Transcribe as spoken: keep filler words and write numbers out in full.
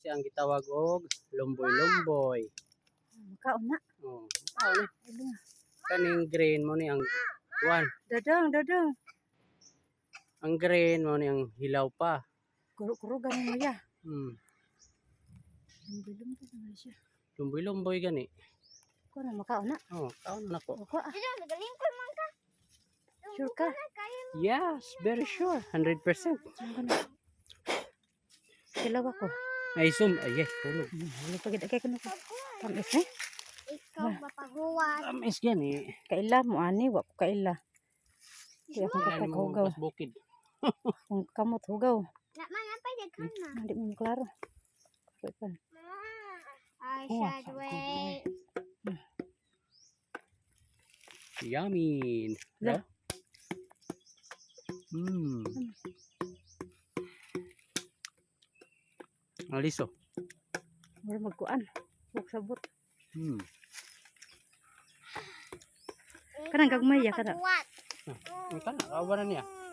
siya ang gitawag og lumboy-lumboy. Makaon na. Oh, makaon ni. Kaning green mo ni ang kuan. Dadang, dadang. Ang green mo ni ang hilaw pa. Kuro-kuro ganin mo ya. Hmm. Lumboy-lumboy naman siya. Lumboy-lumboy gani. Ko na makaon na. Oh, kaon na ko. Ako ah. Sure ka? Yes, very sure. one hundred percent. Kilaw ako. Ay, sum. Ay, yes, tulog. Ano pagid kay kuno ko. Tamis eh. Ikaw mapahuwan. Tamis gani. Kaila mo ani wa ko kaila. Di ako Kailan mo kapaghugaw. pas bukid. Kung kamot hugaw. Na man pa did ka na. Hindi mo klaro. Kapan. I Oh, should wait. Yummy. Yeah. Hmm. Aliso. Mura magkuan. Huwag sabot. Hmm. Kanang gagmay ya kada. What? Ang kana, kawan na niya.